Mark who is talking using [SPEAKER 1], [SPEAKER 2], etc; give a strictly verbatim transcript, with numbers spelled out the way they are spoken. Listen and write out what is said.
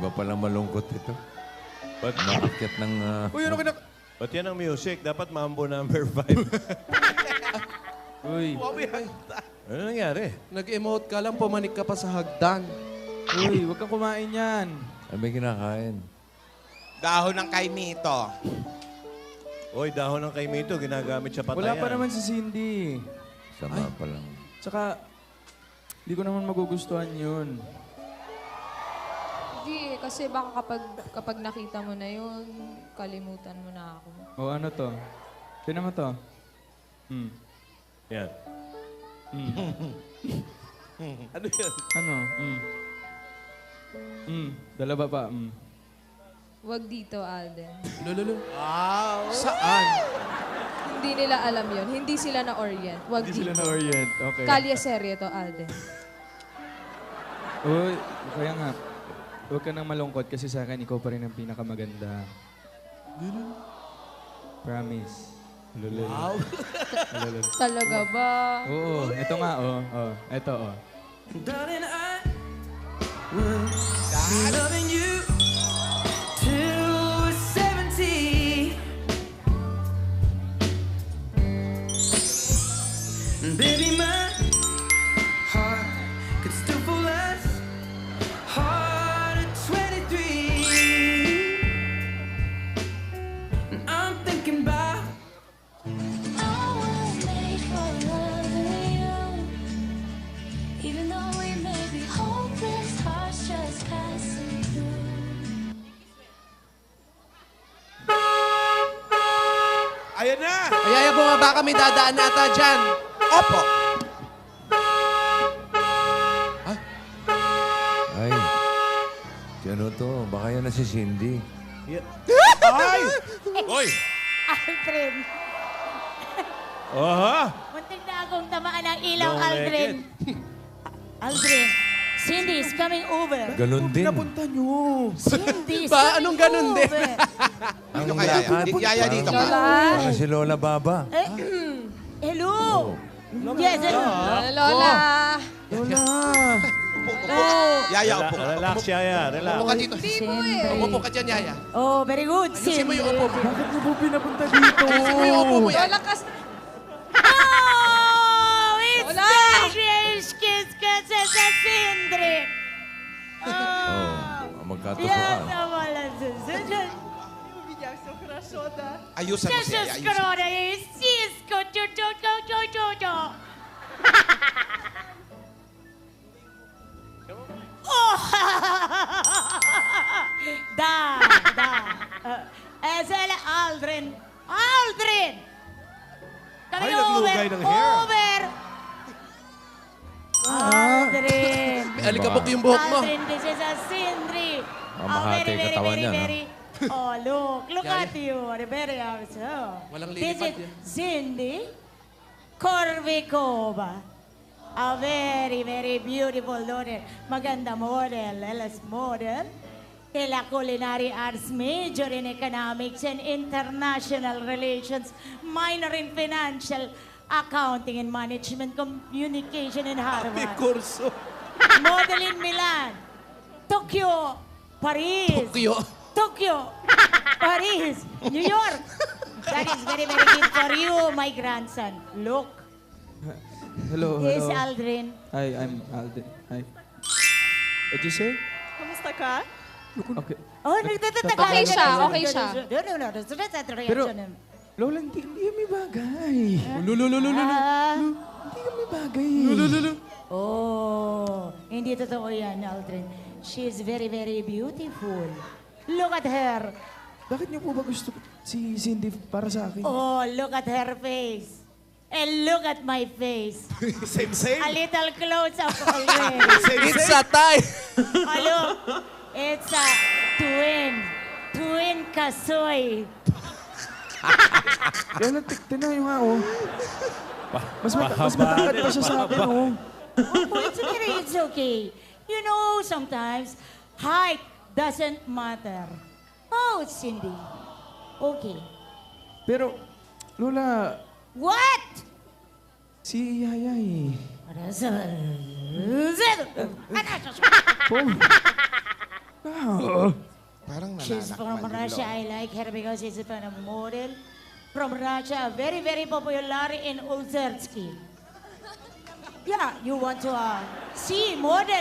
[SPEAKER 1] Iba palang malungkot ito.
[SPEAKER 2] Ba't,
[SPEAKER 1] Maakyat ng... Uh,
[SPEAKER 3] Uy, ano kinak...
[SPEAKER 2] ba't yan ang music? Dapat mambo number five.
[SPEAKER 3] Uy,
[SPEAKER 2] Ano nangyari?
[SPEAKER 3] nag-emote ka lang, pumanik ka pa sa hagdan.
[SPEAKER 4] Uy, huwag kang kumain yan.
[SPEAKER 1] ano ba kinakain?
[SPEAKER 5] Dahon ng kaimito.
[SPEAKER 2] Oy, dahon ng kaimito, ginagamit sa patayan.
[SPEAKER 4] Wala pa naman si Cindy.
[SPEAKER 1] Sama pa lang.
[SPEAKER 4] Tsaka, hindi ko naman magugustuhan yun.
[SPEAKER 6] Hindi, kasi baka kapag, kapag nakita mo na yun, kalimutan mo na ako.
[SPEAKER 4] O ano to? Tinan mo to. Hmm.
[SPEAKER 2] Yan.
[SPEAKER 3] Ano yan?
[SPEAKER 4] Ano? Hmm. Hmm. Dalawa pa. Hmm.
[SPEAKER 6] Huwag dito, Alden.
[SPEAKER 3] Lululu. Saan?
[SPEAKER 6] Hindi nila alam yon. Hindi sila na-orient. Huwag
[SPEAKER 4] Hindi sila
[SPEAKER 6] dito.
[SPEAKER 4] na-orient. Okay.
[SPEAKER 6] Kalye serye to, Alden.
[SPEAKER 4] Uy, kaya nga. Huwag ka nang malungkot kasi sa akin, ikaw pa rin ang pinakamaganda. Promise. Lulul.
[SPEAKER 3] Wow.
[SPEAKER 4] Lulul.
[SPEAKER 6] Talaga ba?
[SPEAKER 4] Oo, ito nga, oh. Oh, ito, oh.
[SPEAKER 7] Darling, I will be loving you till we're seventy. And baby, my heart could still fall as hard at twenty-three. And I'm thinking about
[SPEAKER 8] Even though we may be hopeless, hearts just passing through.
[SPEAKER 5] Ayan na!
[SPEAKER 3] Ayaya, bumaba kami, dadaan na ata dyan.
[SPEAKER 5] Opo!
[SPEAKER 1] Ay, si ano to? Baka yan na si Cindy.
[SPEAKER 2] Yeah. Ay! Oy!
[SPEAKER 9] Aldrin.
[SPEAKER 2] Aha!
[SPEAKER 9] Muntik na akong tamaan ng ilaw,
[SPEAKER 2] Long
[SPEAKER 9] Aldrin. Aldrin, Cindy is coming over.
[SPEAKER 1] Ganon din.
[SPEAKER 4] Napunta nyo.
[SPEAKER 9] Cindy is
[SPEAKER 3] Ba,
[SPEAKER 9] coming
[SPEAKER 3] anong ganun din?
[SPEAKER 9] over.
[SPEAKER 1] Ang
[SPEAKER 5] Dito ka, Yaya.
[SPEAKER 1] lakad.
[SPEAKER 5] Di- Yaya, dito ka.
[SPEAKER 6] Lola?
[SPEAKER 1] Parang si Lola Baba.
[SPEAKER 9] Eh, hello. Yes, hello.
[SPEAKER 6] Lola!
[SPEAKER 4] Lola.
[SPEAKER 5] Upo, upo. Yaya, upo.
[SPEAKER 2] Relax, Yaya. Relax.
[SPEAKER 5] Upo ka dito.
[SPEAKER 9] Cindy.
[SPEAKER 5] Upo ka dyan, Yaya.
[SPEAKER 9] Oh, very good,
[SPEAKER 5] Ayusin mo
[SPEAKER 9] Cindy.
[SPEAKER 5] yung upo mo.
[SPEAKER 4] Bakit mo po pinapunta dito?
[SPEAKER 5] Ayusin mo yung upo mo, Yaya.
[SPEAKER 6] Lola, kas...
[SPEAKER 9] Oh, it's
[SPEAKER 6] Lola!
[SPEAKER 9] the Grace Kiss kasi sa Cindy.
[SPEAKER 1] Oh,
[SPEAKER 9] Oh,
[SPEAKER 1] magkatusuan.
[SPEAKER 9] yan naman ang susunod.
[SPEAKER 5] Ayusan mo siya,
[SPEAKER 9] Jesus
[SPEAKER 5] Yaya. Ayusin.
[SPEAKER 9] Corona is Cisco, cho, cho, cho, cho, cho, cho. Oh! Da, da. Uh, S L Aldrin. Aldrin! Kami
[SPEAKER 2] Ay,
[SPEAKER 9] over,
[SPEAKER 2] naglugay ng hair.
[SPEAKER 9] over! Aldrin!
[SPEAKER 3] May alikabok yung buhok mo.
[SPEAKER 9] Aldrin, this is a Sindri.
[SPEAKER 1] Mamahati yung katawan niya, no?
[SPEAKER 9] Oh, look. Look
[SPEAKER 3] Yaya.
[SPEAKER 9] at you. Very awesome.
[SPEAKER 3] Walang
[SPEAKER 9] This
[SPEAKER 3] lilipad
[SPEAKER 9] is
[SPEAKER 3] yan.
[SPEAKER 9] Cindy Corvicova. A very, very beautiful daughter. Maganda model, L S model. Ela culinary arts major in economics and international relations, minor in financial accounting and management communication in
[SPEAKER 3] May
[SPEAKER 9] Harvard.
[SPEAKER 3] kurso.
[SPEAKER 9] Model in Milan, Tokyo, Paris.
[SPEAKER 3] Tokyo.
[SPEAKER 9] Tokyo, Paris, New York. That is very, very good for you, my grandson. Look,
[SPEAKER 4] Hello,
[SPEAKER 9] this
[SPEAKER 4] hello.
[SPEAKER 9] Aldrin.
[SPEAKER 4] Hi, I'm Alden. Hi. What'd you say?
[SPEAKER 9] Kamusta ka?
[SPEAKER 4] Okay.
[SPEAKER 9] Oh, nagtatatagal.
[SPEAKER 6] Okay siya, okay siya.
[SPEAKER 9] No, no, no. That's that's the
[SPEAKER 4] Pero,
[SPEAKER 9] reaction.
[SPEAKER 4] Lola, hindi, hindi kami bagay.
[SPEAKER 3] Lululululu.
[SPEAKER 9] Ah,
[SPEAKER 4] Hindi kami bagay.
[SPEAKER 3] Lulululu.
[SPEAKER 9] oh, hindi totoo yan, Aldrin. She is very, very beautiful. Look at her.
[SPEAKER 4] Bakit niyo po ba gusto si Cindy para sa akin?
[SPEAKER 9] Oh, look at her face. And look at my face.
[SPEAKER 3] Same, same.
[SPEAKER 9] A little close up already.
[SPEAKER 3] It's a tie.
[SPEAKER 9] Oh, look. It's a twin. Twin kasoy.
[SPEAKER 4] Kaya lang, tik- tingnan niyo nga, oh. Mas, mata- mas matangkad pa siya sa akin, oh.
[SPEAKER 9] Oh, it's okay. It's okay. You know, sometimes height doesn't matter. Oh, Cindy. Okay.
[SPEAKER 4] Pero, Lola,
[SPEAKER 9] What?
[SPEAKER 4] si Yaya eh.
[SPEAKER 9] Ano
[SPEAKER 4] Po. Ah,
[SPEAKER 9] Russia. I like her because she's a kind of model from Russia. Very, very popular in Ulzersky. Yeah, you want to uh, see model.